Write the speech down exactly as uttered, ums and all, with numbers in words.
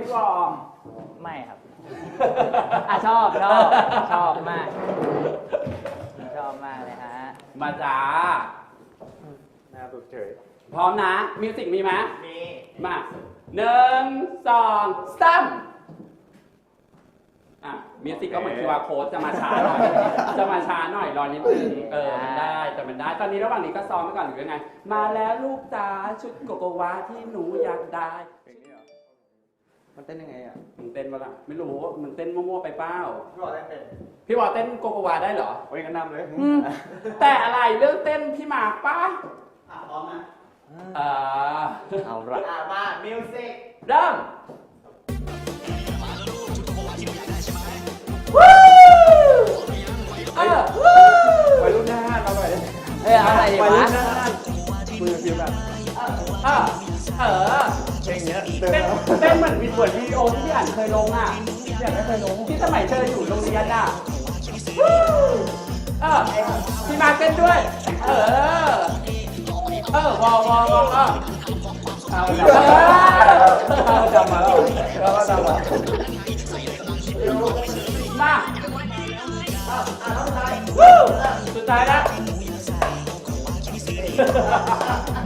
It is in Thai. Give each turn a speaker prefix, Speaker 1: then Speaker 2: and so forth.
Speaker 1: พี่วอม
Speaker 2: ไม่ครับอ่ะชอบชอบชอบมากชอบมากเลยฮะ
Speaker 1: มาจ้า
Speaker 3: หน้าสุดเฉย
Speaker 1: พร้อมนะมิวสิกมีไหม
Speaker 3: มี
Speaker 1: มาหนึ่งสองสามอ่ะมิวสิกก็เหมือนคิวอาร์ code จะมาช้าหน่อยจะมาช้าหน่อยรอนิดนึงเออมันได้แต่มันได้ตอนนี้ระหว่างนี้ก็ซ้อมไปก่อนหรือยังไงมาแล้วลูกจ๋าชุดโกโกวาที่หนูอยากได้
Speaker 3: มันเต้นยังไงอ่ะ
Speaker 1: มันเต้นปะล่ะไม่รู้มันเต้นมั่วๆไปเปล่า
Speaker 3: พี่วอลเต้นเป็น
Speaker 1: พี่วอลเต้นโกโกวาได้เหรอ
Speaker 3: โอ้ยกันนำเลย
Speaker 1: แต่อะไรเรื่องเต้นพี่มาป้า
Speaker 3: อ่ะพร้อมนะ
Speaker 1: อ่า
Speaker 3: เอาละอ่ะมามิวสิก
Speaker 1: เริ่มเออ
Speaker 3: ไปรุ่นหน้าเราหน่อย
Speaker 2: เฮ้ยเอาอะไรดีวะ
Speaker 3: มือฟิวแบบ
Speaker 1: เออเออ
Speaker 3: เพลงเนี้ย
Speaker 1: เต้นเต้นเหมือนวิดีโอวิดีโอที่พี่อ่านเคยลงอ่ะพี่อ่านไม่เคยลงที่สมัยเธออยู่โรงเรียนอ่ะเออพี่มาเต้นด้วยเออเออวอวอวอเออ
Speaker 3: เอาจำมาแล้วเราก็จำมา
Speaker 1: มาอ่ะสุดท้ายวู้สุดท้ายนะ